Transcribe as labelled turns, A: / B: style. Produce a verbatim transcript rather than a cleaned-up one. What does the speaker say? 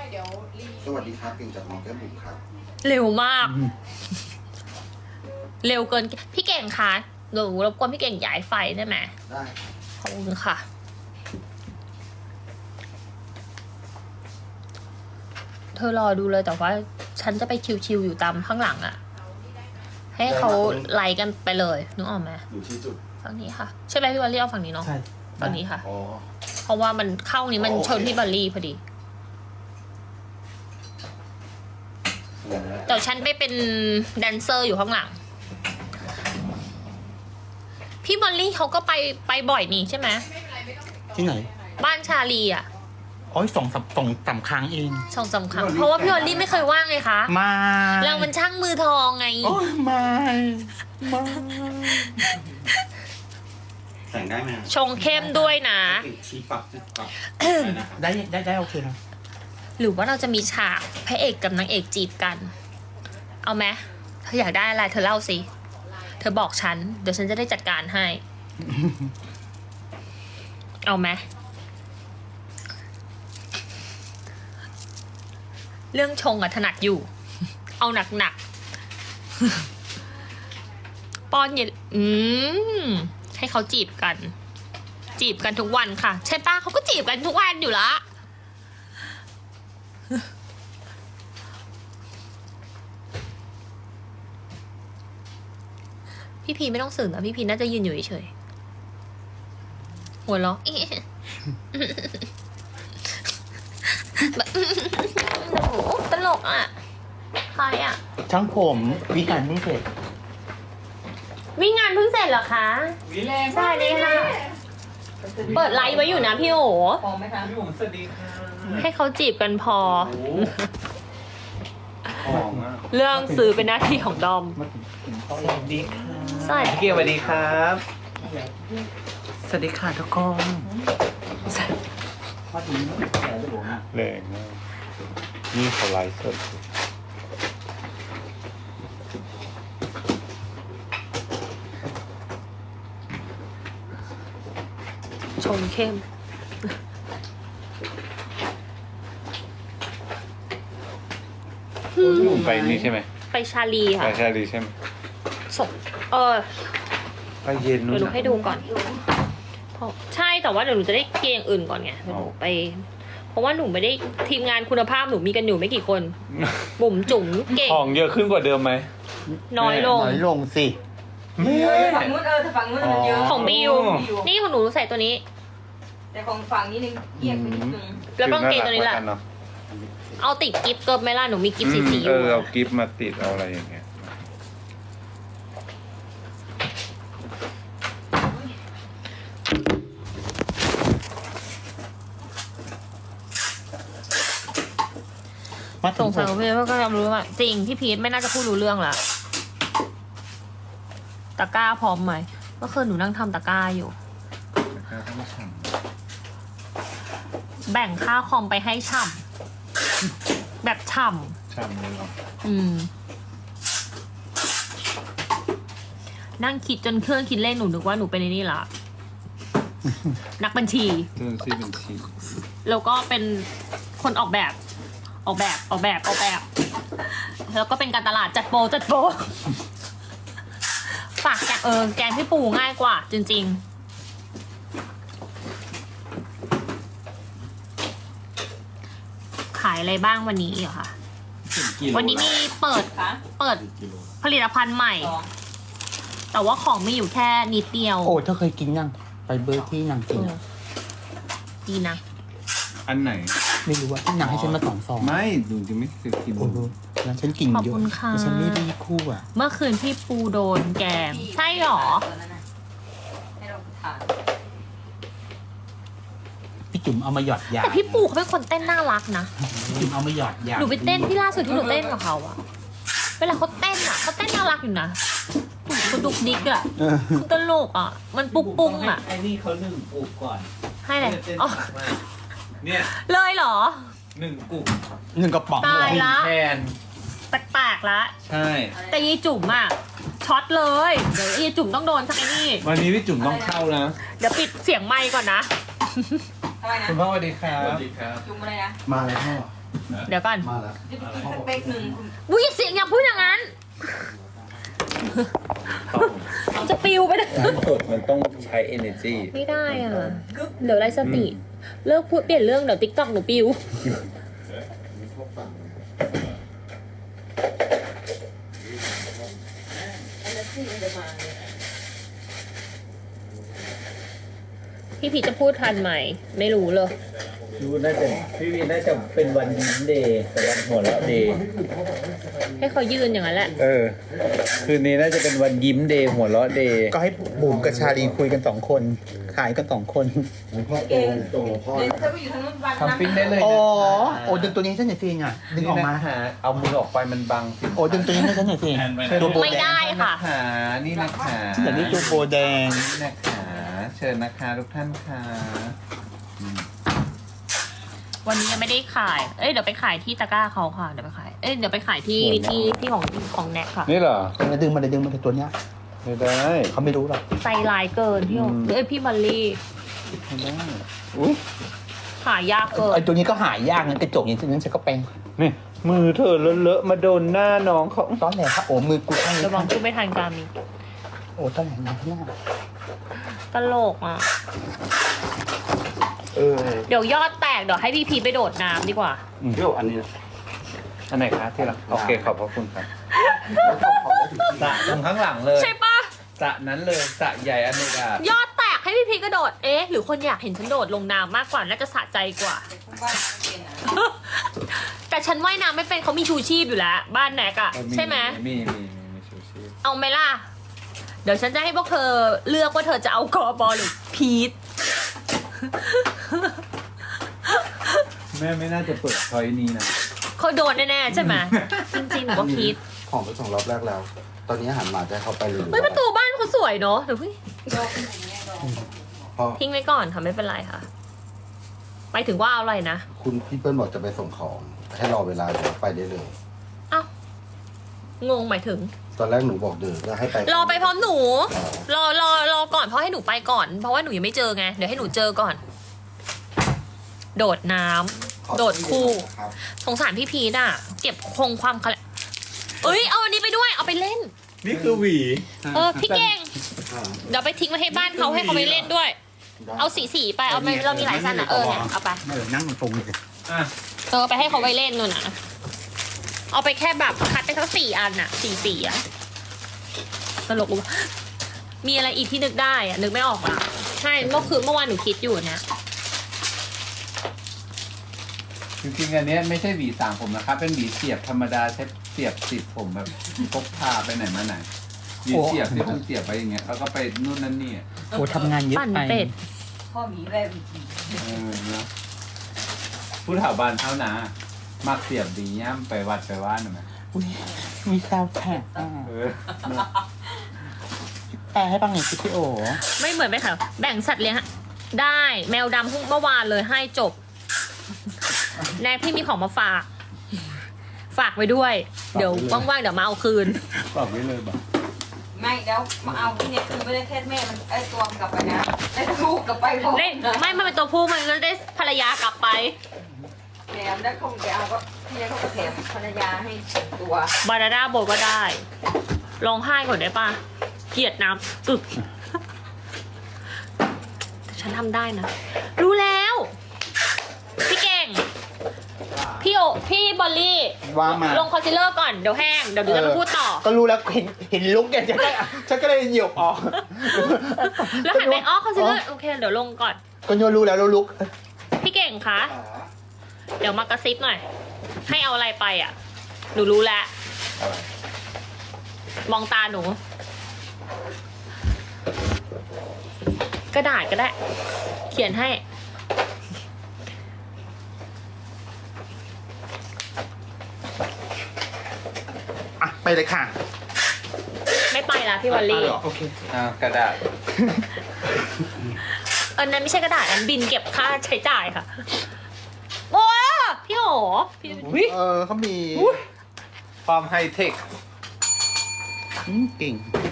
A: เดี๋ยวรีสวัสดีครับเก่งจากน้องแก้มบุ๋มครับ
B: เร็วมากเร็วเกินพี่เก่งคะหนูรบกวนพี่เก่งย้ายไฟได้ไหม
A: ได้
B: ขอบคุณค่ะเธอรอดูเลยแต่ว่าฉันจะไปชิวๆอยู่ตามข้างหลังอะให้เขาไล่กันไปเลยนึกออกไหม
A: อยู่ที่จุด
B: ฝั่งนี้ค่ะใช่ไหมพี่บัลลี่เอาฝั่งนี้เนาะ
C: ใช่
B: ฝั่งนี้ค่ะ
A: อ๋อ
B: เพราะว่ามันเข้านี้มันชนพี่บัลลี่พอดีแต่ฉันไปเป็นแดนเซอร์อยู่ข้างหลังพี่บัลลี่เขาก็ไปไปบ่อยนี่ใช่ไหม
C: ที่ไหน
B: บ้านชาลีอ่ะ
C: โอ้ยสองสามสองสามครั้งเอง
B: สองสามครั้งเพราะว่าพี่บัลลี่ไม่เคยว่างเลยคะ
C: มา
B: เรามันช่างมือทองไง
C: โอ้ยมามา
A: แต่งได้ไหม
B: ชงเข้มด้วยนะ
A: ชี้ปักปัก
C: ได้ได้ได้โอเคนะ
B: หรือว่าเราจะมีฉากพระเอกกับนางเอกจีบกันเอาไหมเธออยากได้อะไรเธอเล่าสิเธอบอกฉันเดี๋ยวฉันจะได้จัดการให้ เอาไหมเรื่องชงอะถนัดอยู่ เอาหนักหนัก ป้อนเย็นอืมให้เขาจีบกัน จีบกันทุกวันค่ะใช่ป้าเขาก็จีบกันทุกวันอยู่ละพี่พีไม่ต้องสื่อนะพี่พีน่าจะยืนอยู่เฉยๆหัวเราะตลกอ่ะใครอ่ะ
C: ช่างผมวิการเพิ่งเสร็จ
B: วิ่งงานเพิ่งเสร็จเหรอคะ
D: วิแรง
B: สวัสดีค่ะเปิดไลฟ์ไว้อยู่นะพี่โอ๋
D: พอไหมคะพี่ผมสวัสดีค่ะ
B: ให้เขาจีบกันพอ
D: ของอ่ะ
B: เรื่องซื้อเป็นหน้าที่ของดอม
D: สวัสดีค่ะ
B: สวัสดี
D: พี่เกียวสวัสดีครับสวัสดีค่ะทุกคน
E: แรงมากนี่เขาไลฟ์สด
B: ชงเข้ม
E: หนุ่มไปนี่ใช่ไหม
B: ไปชาลีค่ะ
E: ไปชาลีใช่ไหม
B: ศพเออ
E: ไปเย็นนู้น
B: เดี๋ยวหนูให้ดูก่อนใช่แต่ว่าเดี๋ยวหนูจะได้เกียงอื่นก่อนไงหนูไปเพราะว่าหนูไม่ได้ทีมงานคุณภาพหนูมีกันอยู่ไม่กี่คนบุ๋มจุ๋มเก่ง
E: ของเยอะขึ้นกว่าเดิมไหม
B: น้อยลง
C: น้อยลงสิ
D: ฝั่งนู้นเออแต่ฝั่งนู้นมันเยอะ
B: ของบิวนี่ของหนูใส่ตัวนี้
D: แต่ของฝั่งนี้นึงเกียงไปนิดนึง
B: แล้วต้องเกงตัวนี้แหละเอาติดกิฟต์เกิร์ลไหมล่ะหนูมีกิฟต์สีสีอ
E: ยู่เออเอากิฟต์มาติดเอาอะไรอย่างเงี้ย
B: สงสัยพี่ก็ยอมรู้ว่าจริงพี่พีทไม่น่าจะพูดรู้เรื่องละตะกร้าพร้อมไหมเมื่อคืนหนูนั่งทำตะกร้าอยู่แบ่งค่าคอมไปให้ฉ่ำแบบฉ่
E: ำฉ่ำเลยเหรอ
B: อืมนั่งคิดจนเครื่องคิดเลขหนูนึกว่าหนูเป็นนี่ละนักบัญชี
E: เรื่องซีบัญชี
B: แล้วก็เป็นคนออกแบบออกแบบออกแบบออกแบบแล้วก็เป็นการตลาดจัดโปรจัดโปรฝากแกเออแกงพี่ปูง่ายกว่าจริงๆขายอะไรบ้างวันนี้เหรอคะวันนี้มีเปิดเปิดผลิตภัณฑ์ใหม่แต่ว่าของมีอยู่แค่นิดเดียว
C: โอ้เธอเคยกินยังไปเบอร์ที่นางกิน
B: ดีนะ
E: อันไหน
C: ไม่รู้ว่าที่นางให้ฉันมาสองซอง
E: ไม่ดูจะไม่เคยกิน
C: โอ้โหแล้วฉันกินเยอะแต่ฉันไม่ได้คู่อ่ะ
B: เมื่อคืนพี่ปูโดนแกงใช่หรอ
C: พี่จุ๋มเอามาหยอดยา
B: แต่พี่ปูเขาเป็นคนเต้นน่ารักนะ
C: พี่จุ๋มเอามาหยอดยา
B: หนูไปเต้นที่ล่าสุดที่หนูเต้นกับเขาอะเวลาเขาเต้นอะเขาเต้นน่ารักอยู่นะเขาดุกดิกอะเขาตลกอะมันปุ้งปุ้งอะ
D: ไอ้นี่เขาหนึ่งปุกก่อน
B: ให้เลยอ๋อ
D: เนี่ย
B: เลยเหรอ
D: หนึ่งกุ่ม
C: หนึ่งกระป๋อง
B: ตายละ
D: แทน
B: แปลกๆละ
D: ใช่
B: แต่ยีจุ๋มอะช็อตเลยเดี๋ยวยีจุ๋มต้องโดนสักไอ้นี่
E: วันนี้พี่จุ๋มต้องเข้านะ
B: เดี๋ยวปิดเสียงไมค์ก่อนนะ
D: คุณพ่อสวัสดีครับ
A: สวัสดีครับ
D: จุ๋มอะไรนะ
A: มาแล้วพ่อ
B: เดี๋ยวก่อน
A: มาแล้ว
F: สเปคหนึ่ง
B: อุ้ยเสียงอย่าพูดอย่างนั้น จะปิวไปเลย
E: น้ำสดมันต้องใช้ energy
B: ไม่ได้อ่ะเดี๋ยวไรสติ เลิกพูดเปลี่ยนเรื่องเดี๋ยวติ๊กต็อกหนูปิว พี่พีชจะพูดทันไหม ไม่รู้เลย
E: ดูน่าจะพี่วีน่าจะเป็นวันยิ้มเดย์แต่วันหัวเราะเดย์
B: ให้เขายืนอย่างนั้นแหละ
E: เออ คืนนี้น่าจะเป็นวันยิ้มเดย์หัวเราะเดย์
C: ก็ให้บุ๋มกับชาลีคุยกันสองคน ขายกันสองคน
A: พ่อโตโตพ่อ
F: เดี๋ยวเธอไปอยู่ทางนู้นวัน
E: ทำปิ้งได้เลย
C: อ๋อ
E: นะ
C: โอ้ดึงตัวนี้ให้ฉันหน่อยสิอ่ะดึงออกมา
E: นี่นะคะเอามือออกไปมันบังสิ
C: โอ้ดึงตัวนี้ให้ฉันหน่อยสิตัวโบ
B: ไม่
C: แด
B: ได้
C: ง
B: ค่ะ
E: ขานี่นะคะ
C: ฉันอยากได้ตัวโบแดง
E: นี่นะคะเชิญนะคะทุกท่านค่ะ
B: วันนี้ยังไม่ได้ขาย เอ้ยเดี๋ยวไปขายที่ตะกร้าเขาค่ะ เดี๋ยวไปขาย เอ้ยเดี๋ยวไปขายที่ที่ที่ของของแน็กค่ะ
E: นี่เหรอ
C: มาดึงมาเลยดึงมาเลยตัวเนี้ย
E: ไม่ได้
C: เขาไม่รู้หรอก
B: ใจลายเกินพี่โอ
E: อืม
B: เอ้ยพี่มอลลี่
E: ไม่ได้อุ้ย
B: ขายยากเกิ
C: ไอน ตัวนี้ก็หายากนะกระจกอย่างนี้ฉันก็เป็น
E: นี่มือเธอเลอะๆมาโดนหน้าน้องเขา
C: ตอนแรกครับโอ้มือกูข้างนี้
B: ระวังพูดไม่ทันการมี
C: โอ้ตอนแรกนะหน้า
B: ตลกอ่ะ
A: เออ
B: เดี๋ยวยอดแตกเดี๋ยวให้พี่พีชไปโดดน้ำดีกว่า
A: เที่ยวอันนี้นะ
E: อันไหนคะที่รักโอเคขอบพระคุณครับ
A: แล้วก็ขอได้ถึง
E: สระตรงข้างหลังเลย
B: ใช่ปะ
E: สระนั้นเลยสระใหญ่อันนี้อ่ะ
B: ยอดแตกให้พี่พีชกระโดด เอ๊ะ หรือคนอยากเห็นฉันโดดลงน้ำมากกว่า น่าจะสะใจกว่า
F: บ้านเป็นอ่ะ
B: แต่ฉันว่ายน้ำไม่เป็นเขามีชูชีพอยู่แล้ว บ้านแน็กอะใช่ไหม
E: มีมีมีมีชูชีพ
B: เอาไหมล่ะ เดี๋ยวฉันจะให้พวกเธอเลือกว่าเธอจะเอากอบอลหรือพีท
E: แม่ไม่น่าจะเปิดช้อยนี้นะ
B: เขาโดนแน่ๆใช่ไหม จริงๆหนูก็พีท
A: ของไปส่งรอบแรกแล้ว ตอนนี้หันมาจะให้เขาไปเลย
B: เฮ้ยประตูบ้านเขาสวยเนอะเดี๋ยวเพิ่ง
F: ดอกอย่างเงี้ยดอก
A: พ่อ
B: ทิ้งไว้ก่อนค่ะไม่เป็นไรค่ะ ไปถึงว่าเอาอะไรนะ
A: คุณพี่เปิ้ลบอกจะไปส่งของ ให้รอเวลาเดี๋ยวไปได้เลย
B: เอ้า งงหมายถึง
A: ตอนแรกหนูบอกเดินก็ให้ไป
B: รอไปพร้อมหนู รอรอรอก่อนเพราะให้หนูไปก่อน เพราะว่าหนูยังไม่เจอไง เดี๋ยวให้หนูเจอก่อน โดดน้ำ
A: ขอ
B: โดดคู่
A: ครับ
B: สงสารพี่พีทอ่ะ เก็บคงความเขาเอ้ย เอาอันนี้ไปด้วย เอาไปเล่น
E: นี่คือหวี
B: เออ พี่เก่ง
A: อ่า
B: เดี๋ยวไปทิ้งไว้ให้บ้านเขาให้เขาไปเล่นด้วย
A: ได้
B: เอาสีสีๆไป เอาไปเรามีหลายสั้นอ่ะ เออเนี่ยเอาไป
C: เออนั่งตรงเลย
E: อ่ะ
B: เออไปให้เขาไปเล่นนู่นน่ะ เอาไปแค่แบบคัดไปทั้งสี่อันน่ะสี่สี่อ่ะตลกว่ะมีอะไรอีกที่นึกได้อ่ะนึกไม่ออกอ่ะใช่เมื่อคืนเมื่อวานหนูคิดอยู่นะ
E: จริงๆอันเนี้ยไม่ใช่หวีสางผมนะครับ เป็นหวีเสียบธรรมดาใช้เสียบติดผมแบบพกพาไปไหนมาไหนหวีเสียบที่มันเสียบไปอย่างเงี้ยแล้วก็ไปนู่นนั่นนี่อ่ะ
C: โอ้ทำงานเยอะ
B: ปั่น
C: ไป
B: เป็ด
F: พ่อหมีแววอีกที
E: เออเนาะผู้ถาวบานเท่านามักเสียบดีย่ำไปวัดไปว่านหน่อยไหม
C: อุ๊ยมีซาวด์แทร็กอ่ะ
E: เออเนอะ
C: แปลให้ฟังหน่อยสิพี่โอ
B: ไม่เหมือนไหมคะแบ่งสัตว์เลี้ยงอะได้แมวดำเพิ่งเมื่อวานเลยให้จบ แนกพี่มีของมาฝาก ฝากไว้ด้วย เดี๋ยวว่างๆเดี๋ยวมาเอาคืน
E: บอกไว้เลยบอก
F: ไม่เดี๋ยวมาเอาที่เนี่ยคือไม่ได้แค่แม่มันไอ้ตัวมันกลับไปนะไอ้ลูกกลับไปพร้อม
B: ได้ไม่มันเป็นตัวผู้มันก็ได้ภรรยากลับไป
F: แถมแล้วเขาไปเอาก็ที่เนี่ยเขาก็แถมภรรยาให้ตัว
B: บานาน่าโบก็ได้ร้องไห้ก่อนได้ปะเกลียดน้ำอึกแต่ฉันทำได้นะ รู้แล้ว พี่เก่ง พี่โอพี่บอลลี่
C: ว่ามา
B: ลงคอนซีลเลอร์ก่อน เดี๋ยวแห้ง เดี๋ยวดูจะมาพูดต่อ
C: ก็รู้แล้วเห็นเห็นลุกเนี่ยฉันก็ฉันก็เลยเหยียบออก
B: แล้วหันไปอ๋อคอนซีลเลอร์โอเค เดี๋ยวลงก่อน
C: ก็โยนรู้แล้วแล้วลุก
B: พี่เก่งคะ เดี๋ยวมากระซิบหน่อย ให้เอาอะไรไปอ่ะ หนูรู้แล้ว มองตาหนู กระดาษก็ได้ เขียนให้
C: อ่ะ ไปเลยค่ะ
B: ไม่ไปละพี่วอลลี่
C: โอเค
E: อ่ากระดาษ
B: อันนั้นไม่ใช่กระดาษอันบินเก็บค่าใช้จ่ายค่ะ โอ้พี่โหพี่
E: อุ๊ย
C: เออเขามี
E: ความไฮเทค
C: อืมเก่ง